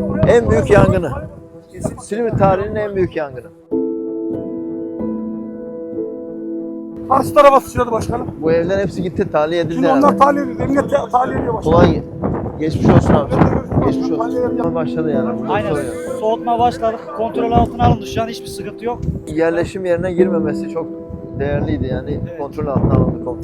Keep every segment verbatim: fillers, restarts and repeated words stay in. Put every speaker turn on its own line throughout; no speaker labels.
En büyük yangını. Silivri tarihinin en büyük yangını.
Karşı tarafa sıçradı başkanım.
Bu evlerin hepsi gitti, tahliye edildi
Şimdi
herhalde.
onlar tahliye ediyor. Emniyet tahliye ediyor başkanım.
Kolay geçmiş olsun abi. Geçmiş olsun. Başladı yani. Burada
Aynen.
sorun yok.
Soğutma başladık. Kontrol altına alındı. Şu an hiçbir sıkıntı yok.
Yerleşim yerine girmemesi çok değerliydi yani.
Evet.
Kontrol altına alındı. Kontrol.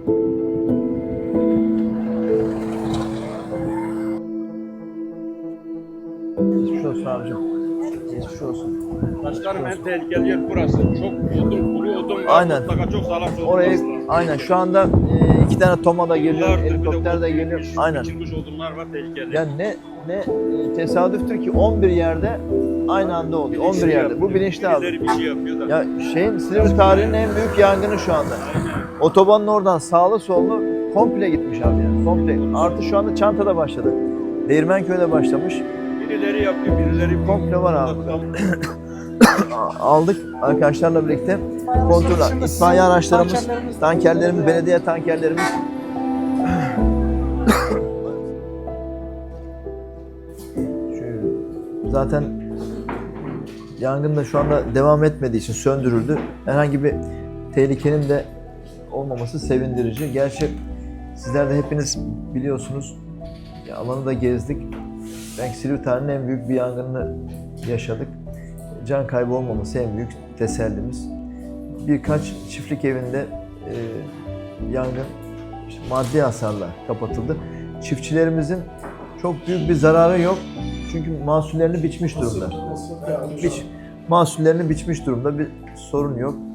Geçmiş olsun abicim. Geçmiş olsun.
Başkanım en tehlikeli yer burası. Çok odun, kuru odun var.
Aynen.
Mutlaka çok sağlam odun
Orayı
olması lazım.
aynen şu anda e, iki tane Toma da geliyor,
Yıllardır bir
helikopter de
odun
geliyor.
biçilmiş,
Aynen.
biçilmiş odunlar var tehlikeli.
Yani ne ne e, tesadüftür ki on bir yerde aynı anda oluyor. on bir yerde. Bu bilinçli abi.
Birileri bir şey yapıyor da.
Ya şeyin Silivri tarihinin en büyük yangını şu anda. Otobanın oradan sağlı sollu komple gitmiş abi yani. Komple. Artı şu anda Çanta'da başladı. Değirmenköy'de başlamış.
Birileri yapıyor, birileri
Komple var abi. Aldık arkadaşlarla birlikte kontrol. İtfaiye araçlarımız, tankerlerimiz, belediye tankerlerimiz. Şu, zaten yangın da şu anda devam etmediği için söndürüldü. Herhangi bir tehlikenin de olmaması sevindirici. Gerçi sizler de hepiniz biliyorsunuz, ya alanı da gezdik. Belki Silivri tarihinin en büyük bir yangınını yaşadık. Can kaybı olmaması en büyük tesellimiz. Birkaç çiftlik evinde e, yangın işte maddi hasarla kapatıldı. Çiftçilerimizin çok büyük bir zararı yok. Çünkü mahsullerini biçmiş durumda. Biç, mahsullerini biçmiş durumda, bir sorun yok.